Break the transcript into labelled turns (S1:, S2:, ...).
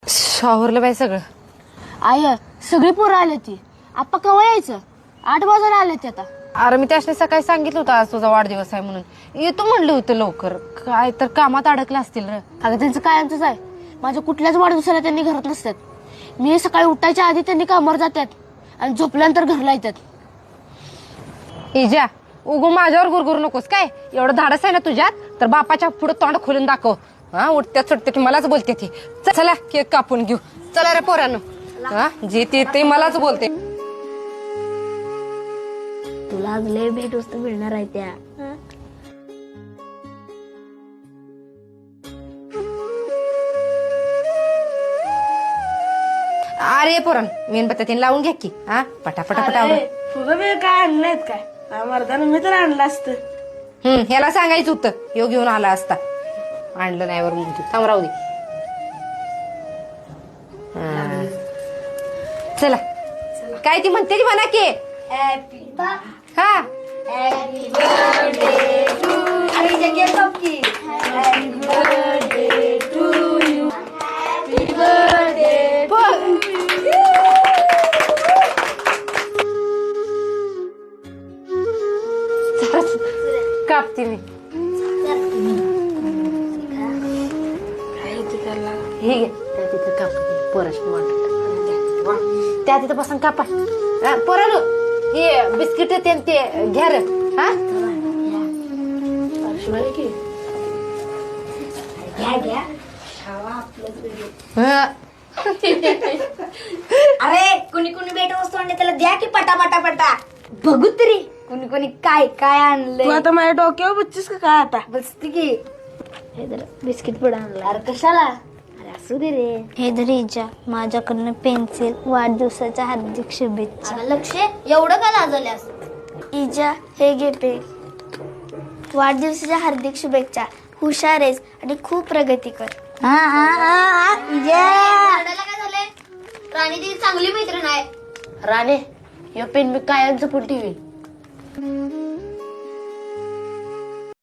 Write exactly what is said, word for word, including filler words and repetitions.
S1: शॉवरला बाई सगळं.
S2: आय सगळी पोरं आले ती. आप्पा केव्हा यायचं? आठ वाजायला आले ते आता.
S1: अरे मी त्याने सकाळी सांगितलं होतं आज तुझा वाढदिवस आहे म्हणून. येतो म्हणलं होतं लवकर. काय तर कामात अडकलं असतील र.
S2: अगं त्यांचं कायमचंच आहे. माझ्या कुठल्याच वाढदिवसाला त्यांनी घरात नसतात. मी सकाळी उठायच्या आधी त्यांनी कामावर जातात आणि झोपल्यानंतर घरला येतात.
S1: इजा उगू माझ्यावर गुरगुरू नकोस काय. एवढं धाडस आहे ना तुझ्यात तर बापाच्या पुढे तोंड खोलून दाखव. हा उठत्या चुटते की मलाच बोलते ती. चला केक कापून घेऊ. चला रे पोरांनो. हा जे ते ते मलाच बोलते.
S2: तुला आज लय भेट वस्तू मिळणार आहे त्या.
S1: अरे पोरान मेणबत्त्या तीन लावून घ्या की. हा पटापटा पटावलं.
S2: तुला मी काय आणलंय काय? मर्दानं मी तर आणलं असतं.
S1: हम्म ह्याला सांगायचं होतं. यो घेऊन आला असता. आणलं नाही वर म्हणतो. थांब राहू दे. चला काय ती म्हणते ती म्हणा की. हा कापते मी. हे घे त्या तिथं काप. पोराशी वाटत त्या तिथं बसून कापा. पोरानो हे बिस्किट ते ते घ्या रे. हा
S3: अरे कुणी कुणी भेट वस्तू आणले त्याला द्या की पटा पटा पटा. बघू तरी कुणी कुणी काय काय आणलंय.
S2: तू आता माझ्या डोक्यावर बसतीस का काय आता?
S3: बसते की.
S2: हे जरा बिस्किट पुढे आणलं.
S3: अरे कशाला? अरे असू दे रे.
S4: हे धरीजा माझ्याकडनं पेन्सिल. वाढदिवसाच्या हार्दिक शुभेच्छा.
S3: अगं लक्ष एवढं का लाजवल्यास?
S4: इजा हे घे पे. वाढदिवसाच्या हार्दिक शुभेच्छा. हुशार आहेस आणि खूप प्रगती कर.
S3: हा हा हा काय झालंय? राणी ती चांगली मैत्रीण आहे.
S2: राणे हे पेन मी कायमचं पण ठेवीन.